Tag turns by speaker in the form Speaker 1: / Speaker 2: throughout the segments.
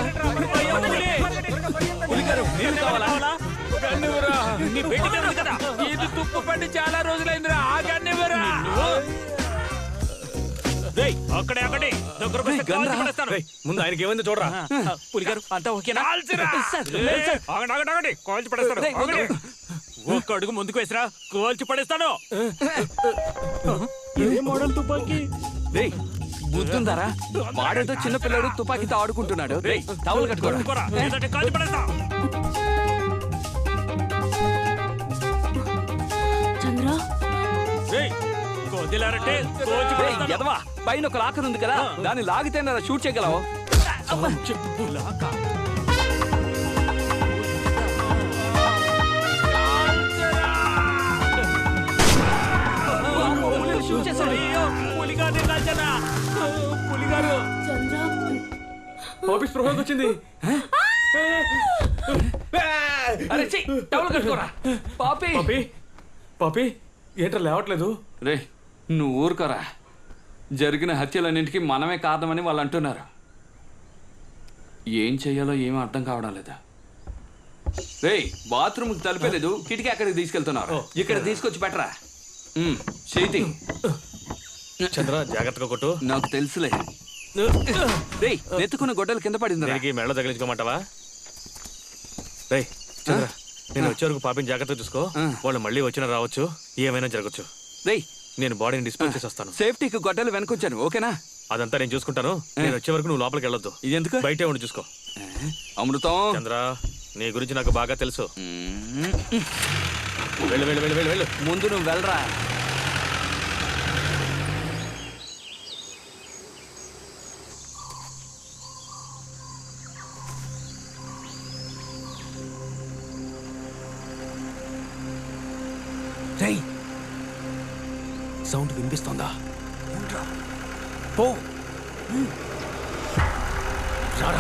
Speaker 1: ఇది తుప్పు పట్టి చాలా రోజులైందిరా. ఆగన్నివరా అక్కడే అక్కడే
Speaker 2: ముందు ఆయనకి ఏమైంది చూడరా.
Speaker 1: పులిగారు అంతా ఓకేనా? కాల్చి పడేస్తాడు. ఒక్క అడుగు ముందుకు వేసిరా, కాల్చి పడేస్తాడు. ఏ మోడల్ తుపాకీ?
Speaker 3: బుద్ధుందారా? వాడేదో చిన్న పిల్లడు తుపాకీతో ఆడుకుంటున్నాడు. టవల్ కట్టుకోరా,
Speaker 1: కాల్చి పడేస్తా.
Speaker 3: ఎదవా, పైన ఒక లాకర్ ఉంది కదా, దాన్ని లాగితే షూట్ చేయగలవు.
Speaker 2: ఆఫీస్ ప్రొఫైల్ వచ్చింది.
Speaker 3: టవల్ కట్టుకోరా. పాపి
Speaker 2: పాపి ఏంట్రా లేవట్లేదు?
Speaker 3: రే నువ్వు ఊరుకోరా. జరిగిన హత్యలన్నింటికి మనమే కారణమని వాళ్ళు అంటున్నారు. ఏం చెయ్యాలో ఏమీ అర్థం కావడం లేదా. రే బాత్రూమ్కి తలిపేలేదు, కిటికీ అక్కడికి తీసుకెళ్తున్నారు. ఇక్కడ తీసుకొచ్చి పెట్టరా. చేతి
Speaker 2: చంద్ర జాగ్రత్తగా కొట్టు.
Speaker 3: నాకు తెలుసులే. రే నెత్తుకున్న గొడ్డలు కింద పడింది.
Speaker 2: మెళ్ళ తగిలించుకోమంటావా? రే చంద్ర, నేను వచ్చే వరకు పాపిని జాగ్రత్తగా చూసుకో. వాళ్ళు మళ్ళీ వచ్చినా రావచ్చు, ఏమైనా జరగచ్చు.
Speaker 3: రే
Speaker 2: నేను బాడీని డిస్పోజ్ చేసి వస్తాను.
Speaker 3: సేఫ్టీకి గొడ్డలు వెనకొచ్చాను, ఓకేనా?
Speaker 2: అదంతా నేను చూసుకుంటాను. నేను వచ్చే వరకు నువ్వు లోపలికి వెళ్ళొద్దు.
Speaker 3: ఎందుకు?
Speaker 2: బయటే ఉండి చూసుకో.
Speaker 3: అమృతం
Speaker 2: చంద్ర, నీ గురించి నాకు బాగా తెలుసు. వెళ్ళు వెళ్ళు వెళ్ళు వెళ్ళు వెళ్ళు.
Speaker 3: ముందు నువ్వు వెళ్ళరా.
Speaker 2: సౌండ్ వినిపిస్తోందా? పో రారా.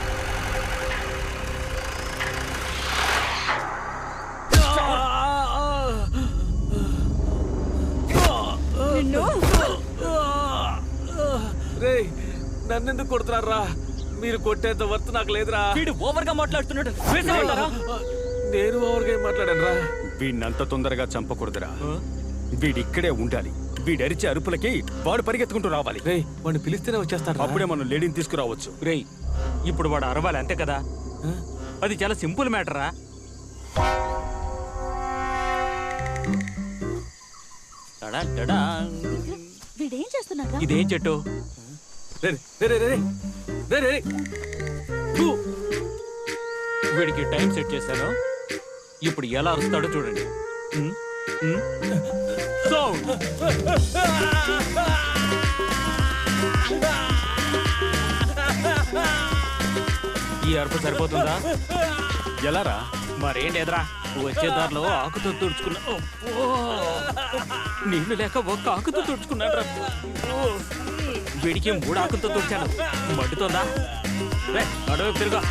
Speaker 2: రే నన్నెందుకు కొడుతున్నారా? మీరు కొట్టేంత వర్త్ నాకు లేదురా.
Speaker 1: వీడు ఓవర్ గా మాట్లాడుతున్నాడు.
Speaker 2: నేను ఓవర్గా ఏం మాట్లాడాను రా?
Speaker 4: వీడినంత తొందరగా చంపకూడదురా. వీడిక్కడే ఉండాలి. వీడరిచే అరుపులకి వాడు పరిగెత్తుకుంటూ రావాలి.
Speaker 2: రేయ్ వాడిని పిలిస్తేనే వచ్చేస్తాడు.
Speaker 4: అప్పుడే మనం లేడీని తీసుకురావచ్చు.
Speaker 1: రేయ్ ఇప్పుడు వాడు అరవాలి అంతే కదా. అది చాలా సింపుల్ మ్యాటరా.
Speaker 5: వీడేం చేస్తున్నాడు?
Speaker 1: ఇదేం చెట్టు? వీడికి టైం సెట్ చేశాను. ఇప్పుడు ఎలా అరుస్తాడో చూడండి. ఈ అరుపు సరిపోతుందా?
Speaker 4: ఎలారా?
Speaker 1: మరేం లేదురా, వచ్చే దారిలో ఆకుతో తుడుచుకున్నా. నీళ్లు లేక ఒక్క ఆకుతో తుడుచుకున్నాడు. వీడికి 3 ఆకులతో తుడిచాను. మండుతోందా? అడవి తిరుగా.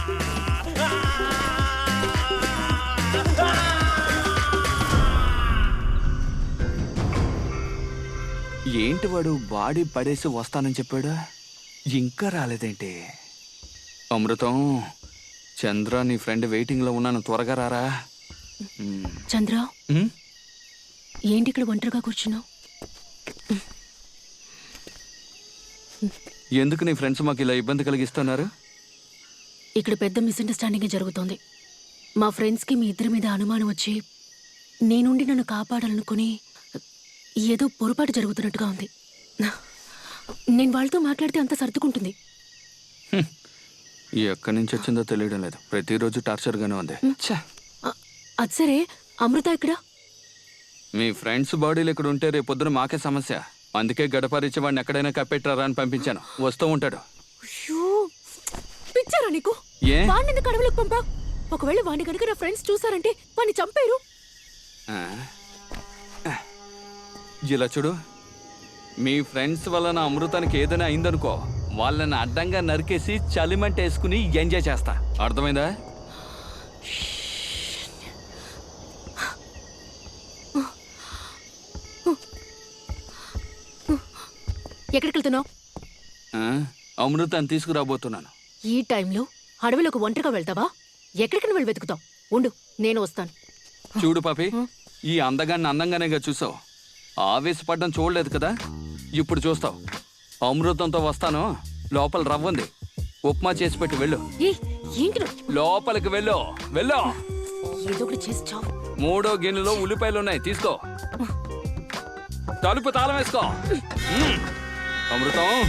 Speaker 3: ఏంటి వాడు బాడీ పడేసి వస్తానని చెప్పాడు, ఇంకా రాలేదేంటి? అమృతం, చంద్ర నీ ఫ్రెండ్ వెయిటింగ్ లో ఉన్నాను, త్వరగా రారా.
Speaker 5: చంద్ర ఏంటి ఇక్కడ ఒంటరిగా కూర్చున్నావు?
Speaker 3: ఎందుకు నీ ఫ్రెండ్స్ మాకు ఇలా ఇబ్బంది కలిగిస్తున్నారు?
Speaker 5: ఇక్కడ పెద్ద మిస్అండర్స్టాండింగ్ జరుగుతోంది. మా ఫ్రెండ్స్కి మీ ఇద్దరి మీద అనుమానం వచ్చి నేనుండి నన్ను కాపాడాలనుకుని ఏదో పొరపాటు జరుగుతున్నట్టుగా ఉంది. నేను వాళ్ళతో మాట్లాడితే అంత సర్దుకుంటుంది.
Speaker 3: ఎక్కడి నుంచి వచ్చిందో తెలియడం లేదు, ప్రతిరోజు టార్చర్గానే ఉంది.
Speaker 5: అది సరే, అమృత ఇక్కడ?
Speaker 3: మీ ఫ్రెండ్స్ బాడీలు ఇక్కడ ఉంటే రేపు పొద్దున మాకే సమస్య. అందుకే గడపరిచి వాడిని ఎక్కడైనా కప్పెట్టారా అని పంపించాను, వస్తూ ఉంటాడు.
Speaker 5: పిచ్చారా నీకు? వాడిని ఎందుకు అడవులకు పంపా? ఒకవేళ వాడిని కనుక నా ఫ్రెండ్స్ చూసారంటే వాడిని చంపేరు.
Speaker 3: ఇలా చూడు, మీ ఫ్రెండ్స్ వల్ల నా అమృతానికి ఏదైనా అయిందనుకో, వాళ్ళని అడ్డంగా నరికేసి చలిమంట వేసుకుని ఎంజాయ్ చేస్తా, అర్థమైందా?
Speaker 5: ఎక్కడికి వెళ్తున్నావు?
Speaker 3: అమృతాన్ని తీసుకురాబోతున్నాను.
Speaker 5: ఈ టైంలో అడవిలోకి ఒంటరిగా వెళ్తావా? ఎక్కడికి వెళ్ళి వెతుకుతావు? ఉండు, నేను వస్తాను.
Speaker 3: చూడు పాపి, ఈ అందగాన్ని అందంగానేగా చూసావు. ఆవేశపడ్డం చూడలేదు కదా, ఇప్పుడు చూస్తావు. అమృతంతో వస్తాను. లోపల రవ్వంది, ఉప్మా చేసి పెట్టి వెళ్ళు.
Speaker 5: ఏంటి నువ్వు?
Speaker 3: లోపలికి వెళ్ళు, వెళ్ళు.
Speaker 5: ఏదో ఒకటి చేసి చావు.
Speaker 3: 3వ గిన్నెలో ఉల్లిపాయలు ఉన్నాయి, తీసుకో. తలుపు తాళం వేసుకో. అమృతం,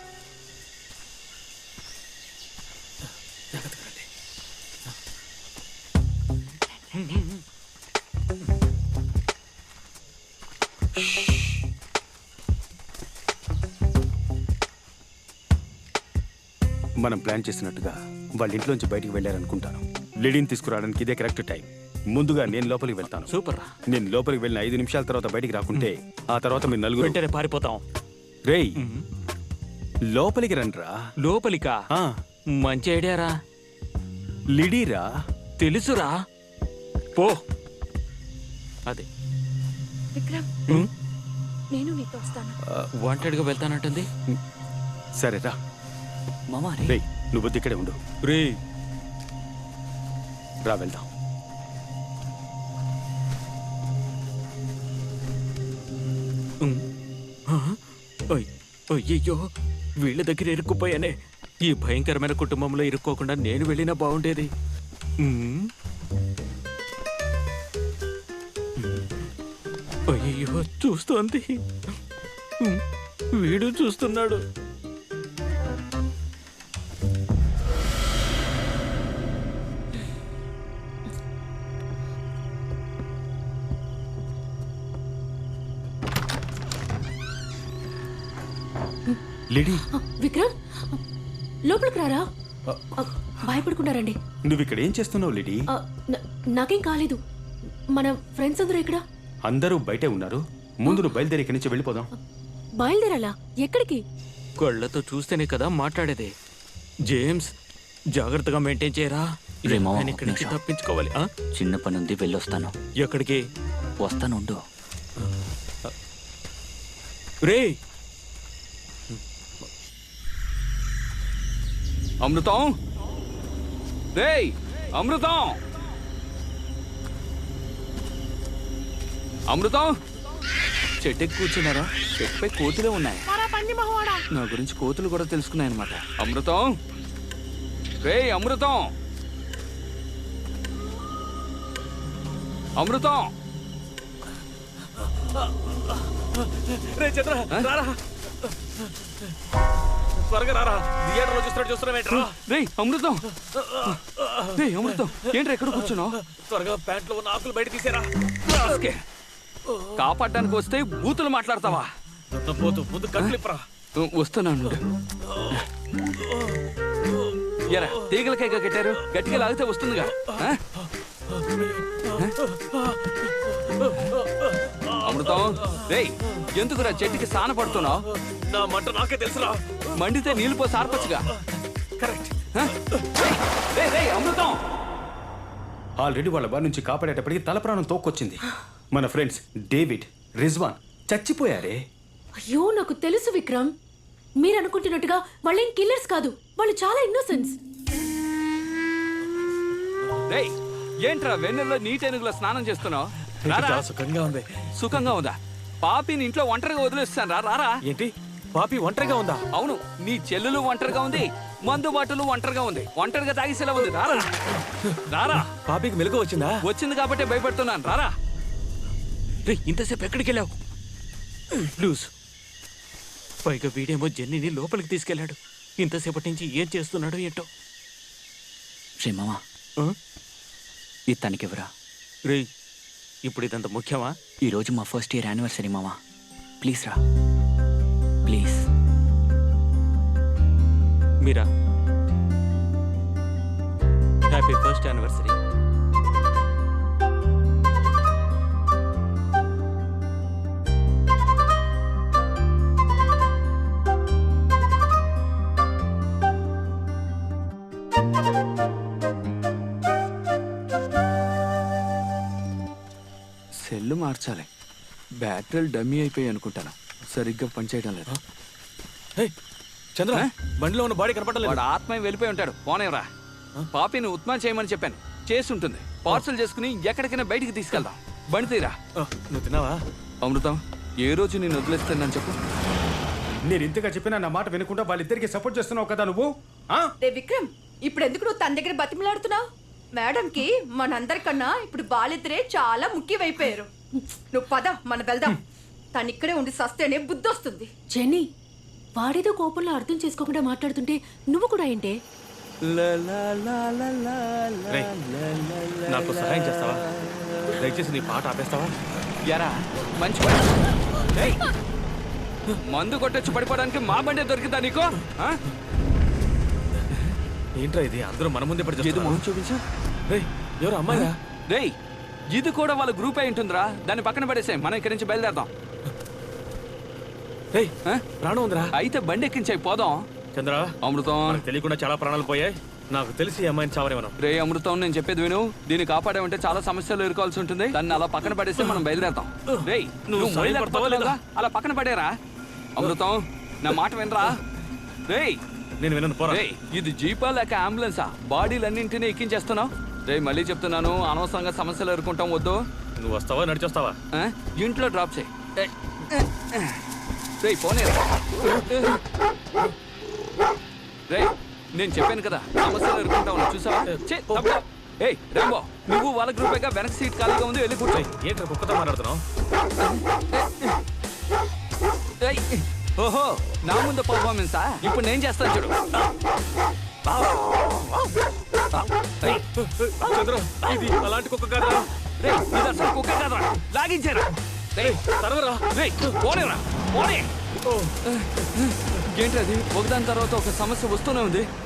Speaker 4: మనం ప్లాన్ చేసినట్టుగా వాళ్ళ ఇంట్లోంచి బయటికి వెళ్ళారనుకుంటాను. లిడీని తీసుకురావడానికి ఇదే కరెక్ట్ టైం. ముందుగా నేను లోపలికి వెళ్తాను.
Speaker 2: సూపర్ రా.
Speaker 4: నేను లోపలికి వెళ్ళిన 5 నిమిషాల తర్వాత బయటికి రాకుంటే ఆ తర్వాత మీరు నలుగురు
Speaker 2: వెంటనే పారిపోతాం.
Speaker 4: రేయ్ లోపలికి రండ్రా.
Speaker 2: లోపలికా?
Speaker 4: ఆ,
Speaker 2: మంచి ఐడియారా.
Speaker 4: లిడీరా.
Speaker 2: తెలుసురా, పో. అదే
Speaker 6: విక్రమ్, నేను నీతో వస్తాను.
Speaker 2: వాంటెడ్గా వెళ్తానంటుంది.
Speaker 4: సరేరా.
Speaker 3: మామా
Speaker 4: రేయ్ నువ్వు ఇక్కడే ఉండు.
Speaker 2: రే,
Speaker 4: రా వెళ్దాం.
Speaker 2: అయ్యో, వీళ్ళ దగ్గర ఇరుక్కుపోయానే. ఈ భయంకరమైన కుటుంబంలో ఇరుక్కోకుండా నేను వెళ్ళినా బాగుండేది. అయ్యో, చూస్తోంది. వీడు చూస్తున్నాడు.
Speaker 4: లిడీ,
Speaker 5: విక్రమ్, లోపలికి రారా. భయపడుకున్నారండి.
Speaker 4: నువ్వు ఇక్కడ ఏం చేస్తున్నావు లిడీ?
Speaker 5: నాకేం కాలేదు. మన ఫ్రెండ్స్ అందరూ ఇక్కడ.
Speaker 4: అందరూ బయటే ఉన్నారు. ముందు నువ్వు బయలుదేరి ఇక్కడి నుంచి వెళ్ళిపోదాం.
Speaker 5: బయలుదేరాలా? ఎక్కడికి?
Speaker 2: కళ్ళతో చూస్తేనే కదా మాట్లాడేది. జేమ్స్, జాగ్రత్తగా మెయింటైన్ చేయరా.
Speaker 7: రే మామ,
Speaker 2: నేను ఇక్కడి నుంచి తప్పించుకోవాలి.
Speaker 7: చిన్న పని ఉంది, వెళ్ళొస్తాను.
Speaker 2: ఎక్కడికి?
Speaker 7: వస్తాను, ఉండు.
Speaker 2: రే,
Speaker 3: అమృతం, రేయ్ అమృతం, అమృతం. చెట్టుకి కూర్చున్నారా? చెట్టుపై కోతులే ఉన్నాయి. నా గురించి కోతులు కూడా తెలుసుకున్నాయన్నమాట. అమృతం, రేయ్ అమృతం, అమృతం.
Speaker 2: రే చంద్ర, రారా, త్వరగా రారా. థియేటర్లో చూస్తున్నావేంట్రా?
Speaker 3: రేయ్ అమృతం, రేయ్ అమృతం, ఏంట్రా ఎక్కడ కూర్చున్నావు?
Speaker 2: త్వరగా ప్యాంట్లో ఉన్న ఆకులు బయట తీసేరా.
Speaker 3: కాపాడడానికి వస్తే బూతులు మాట్లాడతావా?
Speaker 2: పోతూ ముందు కట్లిప్పరా.
Speaker 3: వస్తున్నాను. ఎరా తీగలకైగా కట్టారు, గట్టిగా లాగితే వస్తుందిగా. అమృతం, రేయ్ ఎందుకురా చెట్టుకి సాన పడుతున్నావు?
Speaker 2: నా మంట నాకే తెలుసురా.
Speaker 3: మండితే నీళ్ళు పోసి ఆర్పచ్చుగా.
Speaker 2: కరెక్ట్.
Speaker 3: రేయ్ అమృతం.
Speaker 4: ఆల్రెడీ వాళ్ళ బారి నుంచి కాపాడేటప్పటికి తల ప్రాణం తోక్కొచ్చింది. మన ఫ్రెండ్స్ డేవిడ్, రిజ్వాన్ చచ్చిపోయారే.
Speaker 5: అయ్యో, నాకు తెలుసు విక్రమ్. మీరు అనుకుంటున్నట్టుగా వాళ్ళేం కిల్లర్స్ కాదు. వాళ్ళు చాలా ఇన్నోసెన్స్.
Speaker 3: రేయ్ ఏంట్రా వెన్నెల్లో నీటెనుగులో స్నానం చేస్తున్నావు?
Speaker 2: చాలా సుఖంగా ఉంది.
Speaker 3: సుఖంగా ఉందా? పాపిని ఇంట్లో ఒంటరిగా వదిలేస్తాను. రారా.
Speaker 2: ఏంటి, పాపి ఒంటరిగా ఉందా?
Speaker 3: అవును, నీ చెల్లెలు ఒంటరిగా ఉంది, మందు బాటలు ఒంటరిగా ఉంది, ఒంటరిగా తాగిసేలా ఉంది. రారా, రారా.
Speaker 2: పాపికి మెలకు వచ్చిందా?
Speaker 3: వచ్చింది కాబట్టి భయపడుతున్నాను. రారా.
Speaker 2: రే, ఇంతసేపు ఎక్కడికి వెళ్ళావు? లూజ్. పైగా వీడేమో జెన్నీని లోపలికి తీసుకెళ్లాడు. ఇంతసేపటి నుంచి ఏం చేస్తున్నాడో ఏంటో.
Speaker 7: రే మామా, ఇది తనకివ్వరా.
Speaker 2: రే, ఇప్పుడు ఇదంత ముఖ్యమా?
Speaker 7: ఈరోజు మా ఫస్ట్ ఇయర్ యానివర్సరీ మామా. ప్లీజ్ రా, please.
Speaker 2: Meera, happy first anniversary.
Speaker 3: Cell మార్చాలి. బ్యాటరీలు డమ్మీ అయిపోయి అనుకుంటాను, సరిగ్గా పనిచేయడం లేదు.
Speaker 2: చంద్ర, బండిలో ఉన్న బాడీ కనపడలేదు.
Speaker 3: వాడు ఆత్మ వెళ్ళిపోయి ఉంటాడు. పోనేవరా. పాపిని ఉప్మా చేయమని చెప్పాను చేసి ఉంటుంది పార్సల్ చేసుకుని ఎక్కడికైనా బయటికి తీసుకెళ్దాం బండి తీరా.
Speaker 4: నువ్వు తిన్నావా?
Speaker 3: అమృతం ఏ రోజు నేను వదిలేస్తానని చెప్పు.
Speaker 4: నేను ఇంతగా చెప్పినా నా మాట వినకుండా వాళ్ళిద్దరికి సపోర్ట్ చేస్తున్నావు కదా నువ్వు. ఆ?
Speaker 6: రే విక్రమ్ ఇప్పుడు ఎందుకు నువ్వు తన దగ్గర బతిమలాడుతున్నావు? మేడంకి మనందరికన్నా ఇప్పుడు బాలిద్దరే చాలా ముఖ్యమైపోయారు. నువ్వు పద మన వెళ్దాం. తను ఇక్కడే ఉండి సస్తేనే బుద్ధి వస్తుంది.
Speaker 5: జెన్నీ వాడేదో కోపంలో అర్థం చేసుకోకుండా మాట్లాడుతుంటే నువ్వు కూడా ఏంటే?
Speaker 1: రేయ్, నాకు సహాయం చేస్తావా? దయచేసి నీ పాట ఆపేస్తావా?
Speaker 3: ఎరా మంచి పని. ఏయ్, మందు కొట్టొచ్చి పడిపోవడానికి మా బండే దొరికిందా నీకు? ఆ?
Speaker 1: ఏంట్రా ఇది అందరూ మన ముందే పడి
Speaker 3: ఏదో
Speaker 1: చేస్తున్నారు.
Speaker 3: మొహం చూపించు.
Speaker 1: రేయ్, ఎవరు అమ్మాయిరా?
Speaker 3: రేయ్ ఇది కూడా వాళ్ళ గ్రూప్ అయి ఉంటుందిరా. దాన్ని పక్కన పడేసే మనం ఇక్కడి నుంచి బయలుదేరదాం.
Speaker 1: రేయ్,
Speaker 3: ఆ?
Speaker 1: ప్రాణం ఉందిరా.
Speaker 3: అయితే బండి ఎక్కించాయి పోదాం.
Speaker 1: చంద్ర,
Speaker 3: అమృతం
Speaker 1: మనకు తెలియకుండా చాలా ప్రాణాలు పోయాయి. నాకు తెలిసి ఈ అమ్మాయిని చావరే మనం.
Speaker 3: రే అమృతం నేను చెప్పేది విను. దీన్ని కాపాడామంటే చాలా సమస్యలు ఎదుర్కోవాల్సి ఉంటుంది. దాన్ని అలా పక్కన పడేస్తే మనం బయలుదేరతాం. రేయ్ నువ్వు
Speaker 1: సాయపడతావా లేదా?
Speaker 3: అలా పక్కన పడేరా. అమృతం నా మాట వినరా. రేయ్
Speaker 1: నేను వినను పోరా.
Speaker 3: రేయ్ ఇది జీపా లేక అంబులెన్సా? బాడీలన్నింటినీ ఎక్కించేస్తున్నావు. రేయ్ మళ్ళీ చెప్తున్నాను అనవసరంగా సమస్యలు ఎదుర్కొంటాం వద్దు.
Speaker 1: నువ్వు వస్తావా నడిచొస్తావా?
Speaker 3: ఆ? ఇంట్లో డ్రాప్ చేయి. రేయ్ పోనీ. రేయ్ నేను చెప్పాను కదా సమస్యలు ఎదుర్కొంటావు చూసావా? ఏయ్ రాంబో నువ్వు వాళ్ళ గ్రూపేగా వెనక సీట్ ఖాళీగా ఉంది వెళ్ళి కూర్చో.
Speaker 1: ఏంట్రా కుక్కతో మాట్లాడుతున్నావు?
Speaker 3: ఏయ్, ఓహో నా ముందు పర్ఫార్మెన్సా? ఇప్పుడు నేను చేస్తాను చూడు. ఏయ్,
Speaker 1: చంద్ర, ఇది అలాంటి కుక్క కాదురా.
Speaker 3: రేయ్ ఇది అసలు కుక్క కాదురా. లాగించారా? రేయ్
Speaker 1: తరవరా.
Speaker 3: రేయ్ పోనేరా పోనే. ఏంటి అది ఒకదాని తర్వాత ఒక సమస్య వస్తూనే ఉంది.